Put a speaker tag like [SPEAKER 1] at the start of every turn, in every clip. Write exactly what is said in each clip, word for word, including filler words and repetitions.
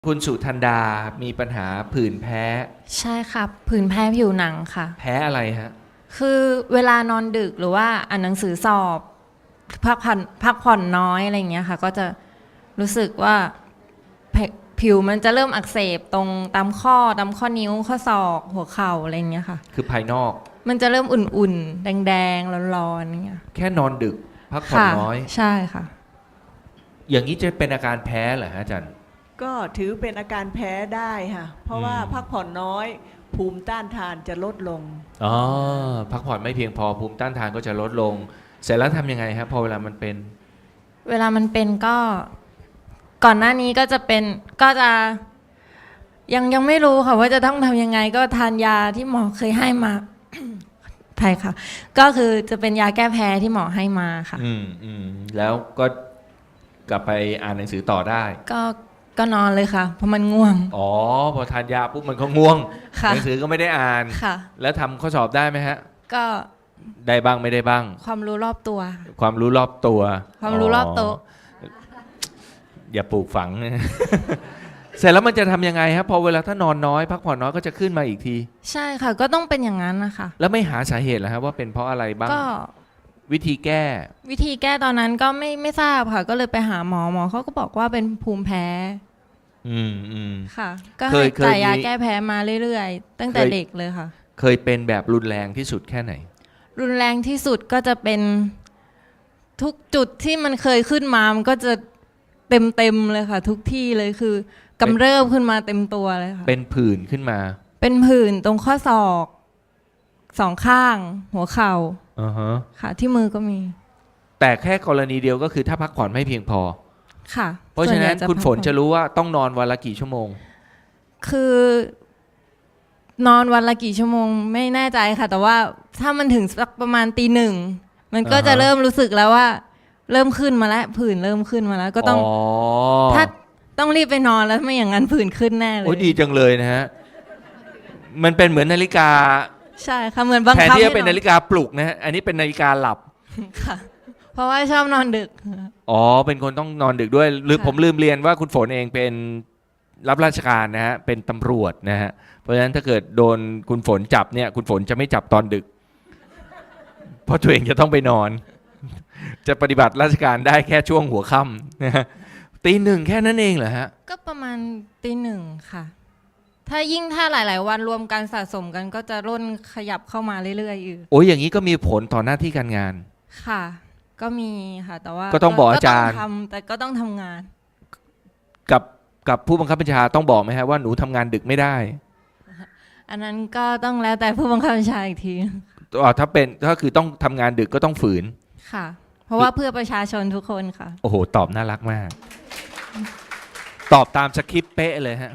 [SPEAKER 1] คุณสุทันดา มีปัญหาผื่นแพ้
[SPEAKER 2] ใช่ค่ะผื่นแพ้ผิวหนังค่ะ
[SPEAKER 1] แพ้อะไรฮะ
[SPEAKER 2] คือเวลานอนดึกหรือว่าอ่านหนังสือสอบพักผ่อนพักผ่อนน้อยอะไรอย่างเงี้ยค่ะ ก็จะรู้สึกว่าแผผิวมันจะเริ่มอักเสบตรงตามข้อตามข้อนิ้วข้อศอกหัวเข่าอะไรอย่างเงี้ยค่ะ
[SPEAKER 1] คือภายนอก
[SPEAKER 2] มันจะเริ่มอุ่นๆ แดงๆร้อนๆอย่างเงี้ย
[SPEAKER 1] แค่นอนดึก พักผ่อน
[SPEAKER 2] ค่ะ
[SPEAKER 1] น้อย
[SPEAKER 2] ใช่ค่ะ
[SPEAKER 1] อย่างนี้จะเป็นอาการแพ้เหรอฮะอาจารย์
[SPEAKER 3] ก็ถือเป็นอาการแพ้ได้ค่ะ เพราะว่า
[SPEAKER 1] อืม
[SPEAKER 3] พักผ่อนน้อย ภูมิต้านทานจะลดลง
[SPEAKER 1] อ๋อ พักผ่อนไม่เพียงพอภูมิต้านทานก็จะลดลง เสร็จแล้วทำยังไงครับพอเวลามันเป็น
[SPEAKER 2] เวลามันเป็นก็ก่อนหน้านี้ก็จะเป็นก็จะยังยังไม่รู้ค่ะว่าจะต้องทำยังไงก็ทานยาที่หมอเคยให้มา ใช่ค่ะ ก็คือจะเป็นยาแก้แพ้ที่หมอให้มาค่ะ
[SPEAKER 1] อืมอืมแล้วก็กลับไปอ่านหนังสือต่อได้
[SPEAKER 2] ก็ก็นอนเลยค่ะ เพราะมันง่วง
[SPEAKER 1] อ๋อ พอทานยาปุ๊บมันก็ง่วง
[SPEAKER 2] ค่ะ
[SPEAKER 1] หนังสือก็ไม่ได้อ่าน
[SPEAKER 2] ค่ะ
[SPEAKER 1] แล้วทำข้อสอบได้ไหมฮะ
[SPEAKER 2] ก็
[SPEAKER 1] ได้บ้างไม่ได้บ้าง
[SPEAKER 2] ความรู้รอบตัว
[SPEAKER 1] ความรู้รอบตัว
[SPEAKER 2] ความรู้รอบโต๊ะ
[SPEAKER 1] อย่าปลูกฝัง เสร็จแล้วมันจะทำยังไงครับพอเวลาถ้านอนน้อย พักผ่อนน้อยก็จะขึ้นมาอีกที
[SPEAKER 2] ใช่ค่ะ ก็ต้องเป็นอย่างนั้นนะคะ
[SPEAKER 1] แล้วไม่หาสาเหตุเหรอครับว่าเป็นเพราะอะไรบ้าง
[SPEAKER 2] ก็
[SPEAKER 1] วิธีแก้
[SPEAKER 2] วิธีแก้ตอนนั้นก็ไม่ไม่ทราบค่ะ ก็เลยไปหาหมอหมอเขาก็บอกว่าเป็นภูมิแพ้
[SPEAKER 1] อืมอืม
[SPEAKER 2] ค่ะ ก็
[SPEAKER 1] เค
[SPEAKER 2] ให้
[SPEAKER 1] ยเคย
[SPEAKER 2] จ่ายยา
[SPEAKER 1] มี
[SPEAKER 2] แก้แพ้มาเรื่อยๆ ตั้งแต่
[SPEAKER 1] เคย
[SPEAKER 2] เด็กเลยค่ะ
[SPEAKER 1] เคยเป็นแบบรุนแรงที่สุดแค่ไหน
[SPEAKER 2] รุนแรงที่สุดก็จะเป็นทุกจุดที่มันเคยขึ้นมามันก็จะเต็มเต็มๆเลยค่ะ ทุกที่เลยคือกำเริบขึ้นมาเต็มตัวเลยค่ะ
[SPEAKER 1] เป็นผื่นขึ้นมา
[SPEAKER 2] เป็นผื่นตรงข้อศอกสองข้าง หัวเข่า
[SPEAKER 1] อ่าฮะ
[SPEAKER 2] ค่ะ ที่มือก็มี
[SPEAKER 1] แต่แค่กรณีเดียวก็คือถ้าพักผ่อนไม่เพียงพอ
[SPEAKER 2] ค่ะ
[SPEAKER 1] เพราะฉะนั้น
[SPEAKER 2] ส่วใหญ่
[SPEAKER 1] คุณฝน
[SPEAKER 2] พักผ่อ
[SPEAKER 1] จะรู้ว่าต้องนอนวันละกี่ชั่วโมง
[SPEAKER 2] คือ นอนวันละกี่ชั่วโมงไม่แน่ใจค่ะ แต่ว่าถ้ามันถึงสักประมาณตีหนึ่งมันก็
[SPEAKER 1] อ่าฮะ
[SPEAKER 2] จะเริ่มรู้สึกแล้วว่า เริ่มขึ้นมาแล้วผื่นเริ่มขึ้นมาแล้ว ก็ต้อง
[SPEAKER 1] อ๋อ
[SPEAKER 2] ถ้าต้องรีบไปนอนแล้วไม่อย่างนั้นผื่นขึ้นแน่เล
[SPEAKER 1] โอ้ย
[SPEAKER 2] ย
[SPEAKER 1] ดีจังเลยนะฮะ มันเป็นเหมือนนาฬิกา
[SPEAKER 2] ใช่ค่ะเหมือนบัง
[SPEAKER 1] แทน
[SPEAKER 2] คับ
[SPEAKER 1] ที่จะ
[SPEAKER 2] ให้
[SPEAKER 1] เป็น
[SPEAKER 2] นอ
[SPEAKER 1] นาฬิกาปลุกนะฮะ อันนี้เป็นนาฬิกาหลับ
[SPEAKER 2] ค่ะ เพราะว่าชอบนอนดึก
[SPEAKER 1] อ๋อ เป็นคนต้องนอนดึกด้วยหรือ
[SPEAKER 2] ค่ะ
[SPEAKER 1] ผมลืมเรียนว่าคุณฝนเองเป็นรับราชการนะฮะ เป็นตำรวจนะฮะ เพราะฉะนั้นถ้าเกิดโดนคุณฝนจับเนี่ย คุณฝนจะไม่จับตอนดึก เพราะตัวเองจะต้องไปนอน จะปฏิบัติราชการได้แค่ช่วงหัวค่ำนะฮะตีหนึ่งแค่นั้นเองเหรอฮะ
[SPEAKER 2] ก็ประมาณตีหนึ่งค่ะ ถ้ายิ่งถ้าหลาย ๆ วันรวมกันสะสมกันก็จะร่นขยับเข้ามาเรื่อยๆอยู่
[SPEAKER 1] โอ้ยอย่างนี้ก็มีผลต่อหน้าที่การงาน
[SPEAKER 2] ค่ะ ก็มีค่ะ แต่ว่า
[SPEAKER 1] ก็ต้องบอกอาจารย์
[SPEAKER 2] ก็ต้องทำแต่ก็ต้องทำงาน
[SPEAKER 1] กับกับผู้บังคับบัญชาต้องบอกไหมฮะว่าหนูทำงานดึกไม่ได้
[SPEAKER 2] อันนั้นก็ต้องแล้วแต่ผู้บังคับบัญชาอีกที
[SPEAKER 1] อ๋อถ้าเป็นก็คือต้องทำงานดึกก็ต้องฝืน
[SPEAKER 2] ค่ะ เพราะว่าเพื่อประชาชนทุกคนค่ะ
[SPEAKER 1] โอ้โห ตอบน่ารักมาก ตอบตามสคริปต์เป๊ะเลยฮะ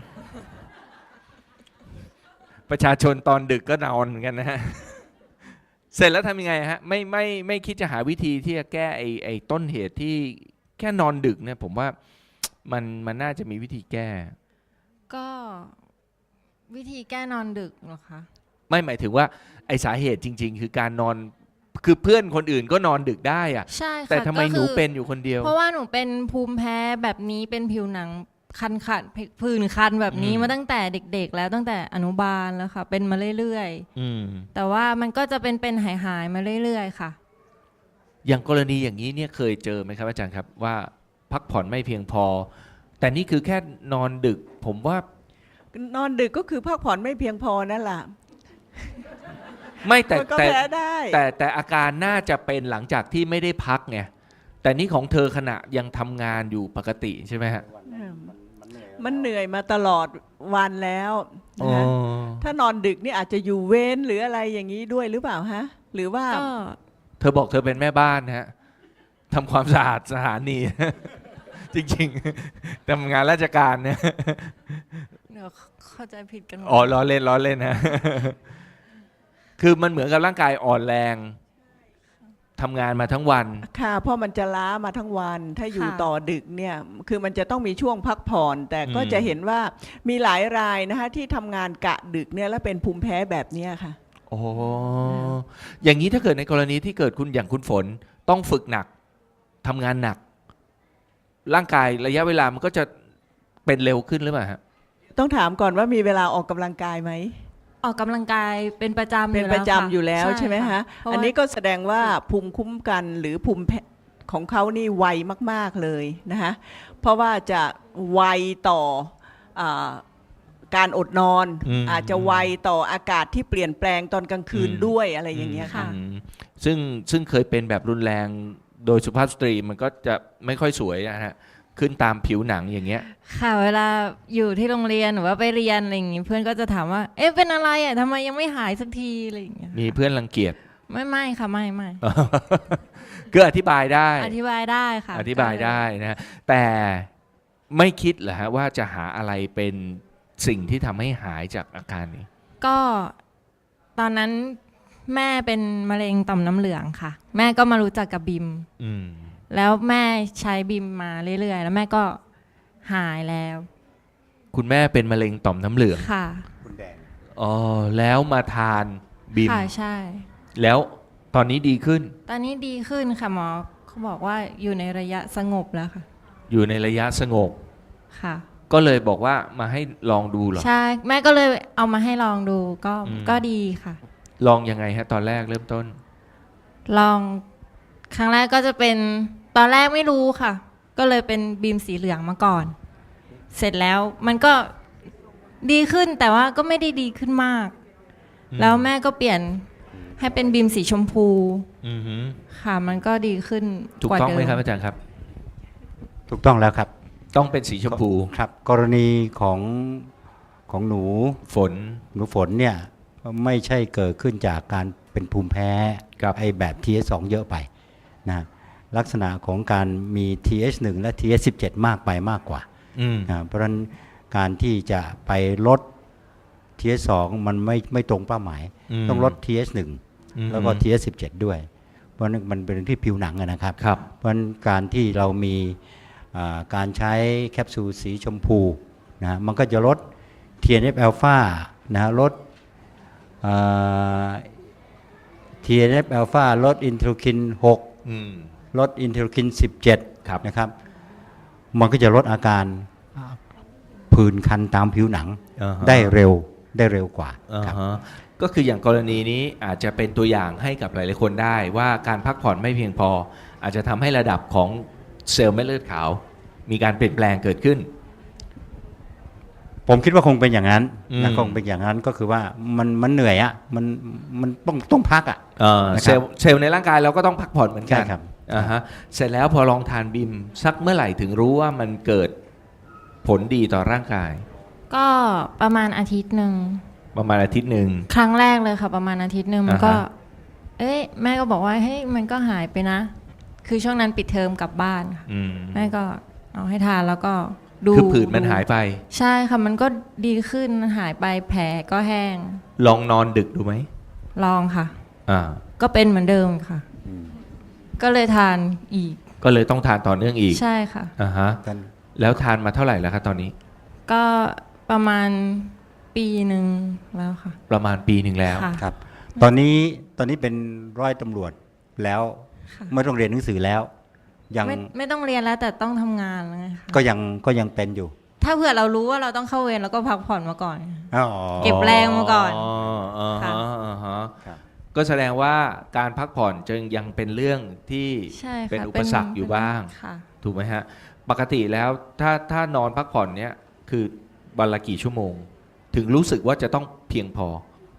[SPEAKER 1] ประชาชนตอนดึกก็นอนเหมือนกันนะฮะ เสร็จแล้วทำยังไงฮะ ไม่ไม่ไม่คิดจะหาวิธีที่จะแก้ไอ้ไอ้ต้นเหตุที่แค่นอนดึกเนี่ย ผมว่ามันมันน่าจะมีวิธีแก้
[SPEAKER 2] ก็วิธีแก้นอนดึกเหรอคะ
[SPEAKER 1] ไม่หมายถึงว่าไอ้สาเหตุจริง ๆ คือการนอนคือเพื่อนคนอื่นก็นอนดึกได้อะ
[SPEAKER 2] ใช่ค่ะ
[SPEAKER 1] แต่ทำไม
[SPEAKER 2] ก็
[SPEAKER 1] ห
[SPEAKER 2] คื
[SPEAKER 1] นู
[SPEAKER 2] อ
[SPEAKER 1] เป็นอยู่คนเดียว
[SPEAKER 2] เพราะว่าหนูเป็นภูมิแพ้แบบนี้เป็นผิวหนังคันขัดผื่นคันแบบนี้
[SPEAKER 1] อืม
[SPEAKER 2] มาตั้งแต่เด็ก ๆ แล้วตั้งแต่อนุบาลแล้วค่ะ เป็นมาเรื่อย
[SPEAKER 1] อืม
[SPEAKER 2] ๆ แต่ว่ามันก็จะเป็นเป็นหายหายๆมาเรื่อยๆค่ะ
[SPEAKER 1] อย่างกรณีอย่างนี้เนี่ยเคยเจอไหมครับอาจารย์ครับว่าพักผ่อนไม่เพียงพอ แต่นี่คือแค่นอนดึก ผมว่าน
[SPEAKER 3] อนดึกก็คือพักผ่อนไม่เพียงพอนั่นแหละ
[SPEAKER 1] ไม่แต่
[SPEAKER 3] มันก็
[SPEAKER 1] แต่
[SPEAKER 3] แพ้ได้
[SPEAKER 1] แต่แต่อาการน่าจะเป็นหลังจากที่ไม่ได้พักไงแต่นี่ของเธอขณะยังทำงานอยู่ปกติใช่ไหมฮะ
[SPEAKER 3] มันเหนื่อยมาตลอดวันแล้ว
[SPEAKER 1] อ๋อ
[SPEAKER 3] นะคะถ้านอนดึกนี่อาจจะอยู่เว้นหรืออะไรอย่างนี้ด้วยหรือเปล่าฮะ หรือว่า
[SPEAKER 2] ก็
[SPEAKER 1] เธอบอกเธอเป็นแม่บ้านฮะทำความสะอาดสถานี จริงๆทำงานราชการเนี่ย
[SPEAKER 2] เดี๋ยวเข้าใจผิดกันหมด
[SPEAKER 1] อ๋อล้อเล่นล้อเล่นนะ คือมันเหมือนกับร่างกายอ่อนแรงทำงานมาทั้งวัน
[SPEAKER 3] ค่ะเพราะมันจะล้ามาทั้งวัน ถ้าอยู่
[SPEAKER 2] ค่ะ
[SPEAKER 3] ต่อดึกเนี่ยคือมันจะต้องมีช่วงพักผ่อน แต่ก็
[SPEAKER 1] อืม
[SPEAKER 3] จะเห็นว่ามีหลายรายนะคะที่ทำงานกะดึกเนี่ยแล้วเป็นภูมิแพ้แบบเนี้ยค่ะ
[SPEAKER 1] โอ้อย่างนี้ถ้าเกิดในกรณีที่เกิดคุณอย่างคุณฝนต้องฝึกหนักทำงานหนัก ร่างกายระยะเวลามันก็จะเป็นเร็วขึ้นหรือเปล่าฮะ
[SPEAKER 3] ต้องถามก่อนว่ามีเวลาออกกำลังกายไหม
[SPEAKER 2] ออกกำลังกายเป็นประจำ
[SPEAKER 3] เป็นประจำอยู่แล้วใช่ไหม
[SPEAKER 2] ค่
[SPEAKER 3] ฮะ
[SPEAKER 2] เพราว่า
[SPEAKER 3] อันนี้ก็แสดงว่าภูมิคุ้มกันหรือภูมิแพ้ของเขานี่ไวมากๆเลยนะคะเพราะว่าจะไวต่ออาการอดนอน
[SPEAKER 1] อืม
[SPEAKER 3] อาจจะไวต่ออากาศที่เปลี่ยนแปลงตอนกลางคืน
[SPEAKER 1] อืม
[SPEAKER 3] ด้วยอะไรอย่างเงี้ยค่ะ
[SPEAKER 1] อืมซึ่งซึ่งเคยเป็นแบบรุนแรงโดยสุภาพสตรีมันก็จะไม่ค่อยสวยนะฮะขึ้นตามผิวหนังอย่างเงี้ย
[SPEAKER 2] ค่ะเวลาอยู่ที่โรงเรียนหรือว่าไปเรียนอะไรอย่างงี้เพื่อนก็จะถามว่า เอ๊ะเป็นอะไรอ่ะทำไมยังไม่หายสักทีอะไรอย่างเงี้ย
[SPEAKER 1] มีเพื่อนรังเกียจ
[SPEAKER 2] ไม่ไม่ค่ะไม่ไม่
[SPEAKER 1] ก็อธิบายได้
[SPEAKER 2] อธิบายได้ค่ะ
[SPEAKER 1] อธิบายได้นะฮะแต่ไม่คิดเหรอฮะว่าจะหาอะไรเป็นสิ่งที่ทำให้หายจากอาการนี้
[SPEAKER 2] ก็ตอนนั้นแม่เป็นมะเร็งต่อมน้ำเหลืองค่ะ แม่ก็มารู้จักกับบิม
[SPEAKER 1] อืม
[SPEAKER 2] แล้วแม่ใช้บิมมาเรื่อยๆ แล้วแม่ก็หายแล้ว
[SPEAKER 1] คุณแม่เป็นมะเร็งต่อมน้ำเหลือง
[SPEAKER 2] ค่ะ
[SPEAKER 4] คุณแดง
[SPEAKER 1] อ๋อแล้วมาทานบิม
[SPEAKER 2] ค่ะใช่
[SPEAKER 1] แล้วตอนนี้ดีขึ้น
[SPEAKER 2] ตอนนี้ดีขึ้นค่ะหมอเขาบอกว่าอยู่ในระยะสงบแล้วค่ะ
[SPEAKER 1] อยู่ในระยะสงบ
[SPEAKER 2] ค่ะ
[SPEAKER 1] ก็เลยบอกว่ามาให้ลองดูเหรอ
[SPEAKER 2] ใช่แม่ก็เลยเอามาให้ลองดูก็
[SPEAKER 1] อืม
[SPEAKER 2] ก็ดีค่ะ
[SPEAKER 1] ลองยังไงฮะตอนแรกเริ่มต้น
[SPEAKER 2] ลองครั้งแรกก็จะเป็นตอนแรกไม่รู้ค่ะ ก็เลยเป็นบีมสีเหลืองมาก่อน เสร็จแล้วมันก็ดีขึ้นแต่ว่าก็ไม่ได้ดีขึ้นมาก
[SPEAKER 1] อืม
[SPEAKER 2] แล้วแม่ก็เปลี่ยนให้เป็นบีมสีชมพู
[SPEAKER 1] อือหือ
[SPEAKER 2] ค่ะ มันก็ดีขึ้น
[SPEAKER 1] ถูก
[SPEAKER 2] กว่า
[SPEAKER 1] ต้อง
[SPEAKER 2] เดิ
[SPEAKER 1] ไหม
[SPEAKER 2] ม
[SPEAKER 1] ครับอาจารย์ครับ
[SPEAKER 4] ถูกต้องแล้วครับ
[SPEAKER 1] ต้องเป็นสีชมพู
[SPEAKER 4] ครับ กรณีของของหนู
[SPEAKER 1] ฝน
[SPEAKER 4] หนูฝนเนี่ยไม่ใช่เกิดขึ้นจากการเป็นภูมิแพ้
[SPEAKER 1] ครับ
[SPEAKER 4] ไอแบบ ที เอส สอง เยอะไปนะลักษณะของการมี ที เอช หนึ่ง และ ที เอส สิบเจ็ด มากไปมากกว่า
[SPEAKER 1] อืม
[SPEAKER 4] นะเพราะฉะนั้นการที่จะไปลด ที เอส สอง มันไม่ไม่ตรงเป้าหมาย
[SPEAKER 1] ม
[SPEAKER 4] ต้องลด ที เอส หนึ่ง
[SPEAKER 1] อืม
[SPEAKER 4] แล้วก็ ที เอส สิบเจ็ด ด้วย เพราะฉะนั้นมันเป็นที่ผิวหนังอะนะครับ
[SPEAKER 1] ครับ
[SPEAKER 4] เพราะฉะนั้นการที่เรามีอ่าการใช้แคปซูลสีชมพูนะฮะมันก็จะลด ที เอ็น เอฟ อลฟานะฮะลดอ่า ที เอ็น เอฟ อลฟาลดอินเทอร์คิน หก
[SPEAKER 1] อืม
[SPEAKER 4] ลดอินเทอร์คิน สิบเจ็ด
[SPEAKER 1] ครับ
[SPEAKER 4] นะครับมันก็จะลดอาการผื่นคันตามผิวหนัง
[SPEAKER 1] อ่าฮะ
[SPEAKER 4] ได้เร็วได้เร็วกว่า
[SPEAKER 1] อ่า
[SPEAKER 4] ครับ
[SPEAKER 1] ฮะก็คืออย่างกรณีนี้อาจจะเป็นตัวอย่างให้กับหลายๆคนได้ว่าการพักผ่อนไม่เพียงพอ อาจจะทำให้ระดับของเซลล์เม็ดเลือดขาว มีการเปลี่ยนแปลงเกิดขึ้น
[SPEAKER 4] ผมคิดว่าคงเป็นอย่างนั้น
[SPEAKER 1] อืม
[SPEAKER 4] นะคงเป็นอย่างนั้นก็คือว่ามันมันเหนื่อยอะมันมันต้องต้องพักอะ
[SPEAKER 1] เอ่อ
[SPEAKER 4] นะครับ
[SPEAKER 1] เซลล์เซลล์ในร่างกายเราก็ต้องพักผ่อนเหมือนกัน
[SPEAKER 4] ใช่ครับ
[SPEAKER 1] อ่าฮะเสร็จแล้วพอลองทานบิมสักเมื่อไหร่ถึงรู้ว่ามันเกิดผลดีต่อร่างกาย
[SPEAKER 2] ก็ประมาณอาทิตย์หนึ่ง
[SPEAKER 1] ประมาณอาทิตย์หนึ่ง
[SPEAKER 2] ครั้งแรกเลยค่ะ ประมาณอาทิตย์หนึ่งมันก็
[SPEAKER 1] อ่าฮะ
[SPEAKER 2] เอ้ยแม่ก็บอกว่าเฮ้ยมันก็หายไปนะ คือช่วงนั้นปิดเทอมกลับบ้านค่ะ
[SPEAKER 1] อืม
[SPEAKER 2] แม่ก็เอาให้ทานแล้วก็ดู
[SPEAKER 1] คือผื่นมันหายไป
[SPEAKER 2] ใช่ค่ะมันก็ดีขึ้นมันหายไปแผลก็แห้ง
[SPEAKER 1] ลองนอนดึกดูไหม
[SPEAKER 2] ลองค่ะ
[SPEAKER 1] อ่า
[SPEAKER 2] ก็เป็นเหมือนเดิมค่ะ ก็เลยทานอีก
[SPEAKER 1] ก็เลยต้องทานต่อเนื่องอีก
[SPEAKER 2] ใช่ค่ะ
[SPEAKER 1] อ่าฮะ
[SPEAKER 4] ท่าน
[SPEAKER 1] แล้วทานมาเท่าไหร่แล้วครับตอนนี้
[SPEAKER 2] ก็ประมาณปีหนึ่งแล้วค่ะ
[SPEAKER 1] ประมาณปีหนึ่งแล้ว
[SPEAKER 2] ค่ะ
[SPEAKER 4] ครับ ตอนนี้ตอนนี้เป็นร้อยตำรวจแล้ว
[SPEAKER 2] ค่ะ
[SPEAKER 4] ไม่ต้องเรียนหนังสือแล้ว ยัง
[SPEAKER 2] ไม่ไม่ต้องเรียนแล้วแต่ต้องทำงานแล้วไงคะ
[SPEAKER 4] ก็ยังก็ยังเป็นอยู่
[SPEAKER 2] ถ้าเผื่อเรารู้ว่าเราต้องเข้าเวรเราก็พักผ่อนมาก่อน
[SPEAKER 4] อ๋อ
[SPEAKER 2] เก็บแรงมาก่อน
[SPEAKER 1] อ๋ออ่า
[SPEAKER 2] ค่ะ
[SPEAKER 1] ฮะอ่าฮะ
[SPEAKER 4] ครับ
[SPEAKER 1] ก็แสดงว่าการพักผ่อนจึงยังเป็นเรื่องที่
[SPEAKER 2] ใช่ค่ะ
[SPEAKER 1] เป็นอุปสรรคอยู่บ้าง
[SPEAKER 2] ค่ะ
[SPEAKER 1] ถูกไหมฮะ ปกติแล้วถ้าถ้านอนพักผ่อนเนี้ยคือวันละกี่ชั่วโมง ถึงรู้สึกว่าจะต้องเพียงพอ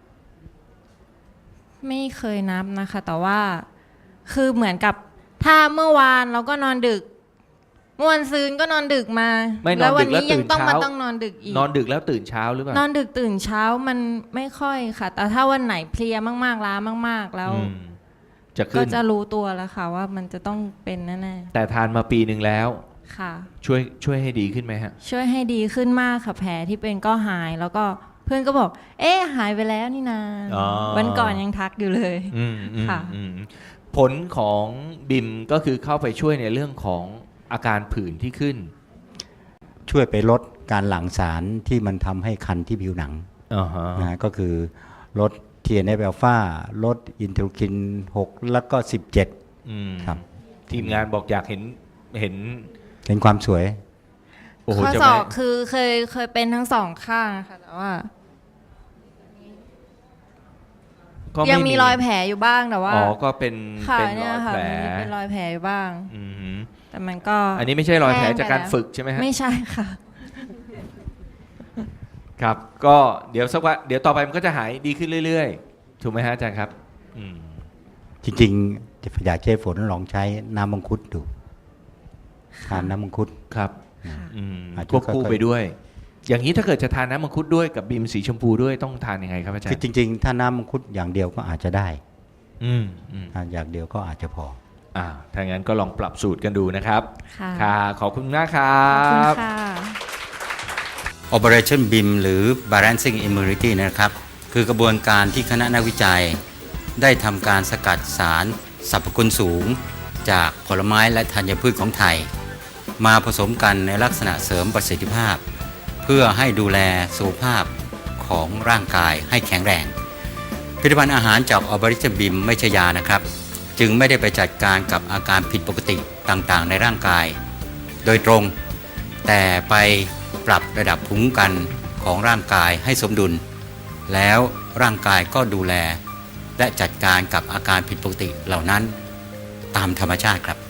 [SPEAKER 2] ไม่เคยนับนะคะ แต่ว่าคือเหมือนกับถ้าเมื่อวานเราก็นอนดึกเมื่อวันซืนก็นอนดึกมา
[SPEAKER 1] ไม่นอน
[SPEAKER 2] แล้ววั
[SPEAKER 1] ดึกแล้ว
[SPEAKER 2] นี้ยังต้อง
[SPEAKER 1] ตื่น
[SPEAKER 2] มา
[SPEAKER 1] เช้า
[SPEAKER 2] ต้องนอนดึกอีก
[SPEAKER 1] นอนดึกแล้วตื่นเช้าหรือเปล่าน
[SPEAKER 2] อนดึกตื่นเช้ามันไม่ค่อยค่ะ แต่ถ้าวันไหนเพลียมากๆล้ามาก ๆ แล้ว
[SPEAKER 1] อืมจะ
[SPEAKER 2] ก็
[SPEAKER 1] ขึ้น
[SPEAKER 2] จะรู้ตัวแล้วค่ะ ว่ามันจะต้องเป็นแน่
[SPEAKER 1] แต่ทานมาปีหนึ่งแล้ว
[SPEAKER 2] ๆค่ะ
[SPEAKER 1] ช่วยช่วยให้ดีขึ้นไหมฮะ
[SPEAKER 2] ช่วยให้ดีขึ้นมากค่ะแผลที่เป็นก็หาย แล้วก็เพื่อนก็บอก เอ๊ะหายไปแล้วนี่นา
[SPEAKER 1] อ๋อ
[SPEAKER 2] วันก่อนยังทักอยู่เลย
[SPEAKER 1] อืมอืม
[SPEAKER 2] ค่ะ
[SPEAKER 1] อืมผลของบิมก็คือเข้าไปช่วยในเรื่องของอาการผื่นที่ขึ้น
[SPEAKER 4] ช่วยไปลดการหลั่งสารที่มันทำให้คันที่ผิวหนัง
[SPEAKER 1] อ่าฮะ
[SPEAKER 4] นะฮะก็คือลด ที เอ็น เอฟ อลฟาลดอินเทอร์คิน หก แล้วก็ สิบเจ็ด
[SPEAKER 1] อืม
[SPEAKER 4] ครับ
[SPEAKER 1] ทีมงานบอกอยากเห็นเห็น
[SPEAKER 4] เป็นความสวย
[SPEAKER 1] โอ้โห
[SPEAKER 2] ข้อ
[SPEAKER 1] จะ
[SPEAKER 2] ศ
[SPEAKER 1] ไม่
[SPEAKER 2] อกคือเคยเคยเป็นทั้งสองข้างค่ะแต่ว่า
[SPEAKER 1] ก็ไ
[SPEAKER 2] ยังมีรอยแผลอยู่บ้างแต่ว่า
[SPEAKER 1] อ๋อก็เป็น
[SPEAKER 2] ค่ะ
[SPEAKER 1] เป็นร
[SPEAKER 2] เนี่ย
[SPEAKER 1] อย
[SPEAKER 2] ค่ะ
[SPEAKER 1] แผล
[SPEAKER 2] มันมีเป็นรอยแผลอยู่บ้าง
[SPEAKER 1] อือหือ
[SPEAKER 2] แต่มันก็
[SPEAKER 1] อันนี้ไม่ใช่รอยแผล
[SPEAKER 2] ห้งไป
[SPEAKER 1] จากการ
[SPEAKER 2] ล้ว
[SPEAKER 1] ฝึกใช่ไหมฮะ
[SPEAKER 2] ไม่ใช่ค่ะ
[SPEAKER 1] ครับ ก็เดี๋ยวสักวันเดี๋ยวต่อไปมันก็จะหายดีขึ้นเรื่อยๆ ถูกไหมฮะอาจารย์ครับ อืม
[SPEAKER 4] จริงๆอยากให้ฝนลองใช้น้ำมังคุดดูทานน้ำมังคุด
[SPEAKER 1] ครับ
[SPEAKER 2] ค่ะ
[SPEAKER 1] อืม
[SPEAKER 4] อาจจะ
[SPEAKER 1] ควบคู่
[SPEAKER 4] ค่อยๆ
[SPEAKER 1] ไปด้วย อย่างนี้ถ้าเกิดจะทานน้ำมังคุดด้วยกับบีมสีชมพูด้วยต้องทานยังไงครับอาจาร
[SPEAKER 4] คือ
[SPEAKER 1] ย์
[SPEAKER 4] จริงๆ ถ้าน้ำมังคุดอย่างเดียวก็อาจจะได้
[SPEAKER 1] อืมอืม
[SPEAKER 4] ทานอย่างเดียวก็อาจจะพอ
[SPEAKER 1] อ่าถ้างั้นก็ลองปรับสูตรกันดูนะครับ
[SPEAKER 2] ค่ะ
[SPEAKER 1] ค่ะขอบคุณมากครั
[SPEAKER 2] ขอบคุณ
[SPEAKER 1] บ
[SPEAKER 2] ค่ะ
[SPEAKER 4] Operation บี เอ็ม หรือ Balancing Immunity นะครับ คือกระบวนการที่คณะนักวิจัย ได้ทำการสกัดสารสรรพคุณสูง จากผลไม้และธัญพืชของไทย มาผสมกันในลักษณะเสริมประสิทธิภาพ เพื่อให้ดูแลสุขภาพของร่างกายให้แข็งแรง ผลิตภัณฑ์อาหารจาก Operation บี เอ็ม ไม่ใช่ยานะครับ จึงไม่ได้ไปจัดการกับอาการผิดปกติต่างๆ ในร่างกาย โดยตรง แต่ไปปรับระดับภูมิคุ้มกันของร่างกายให้สมดุล แล้วร่างกายก็ดูแล และจัดการกับอาการผิดปกติเหล่านั้นตามธรรมชาติครับ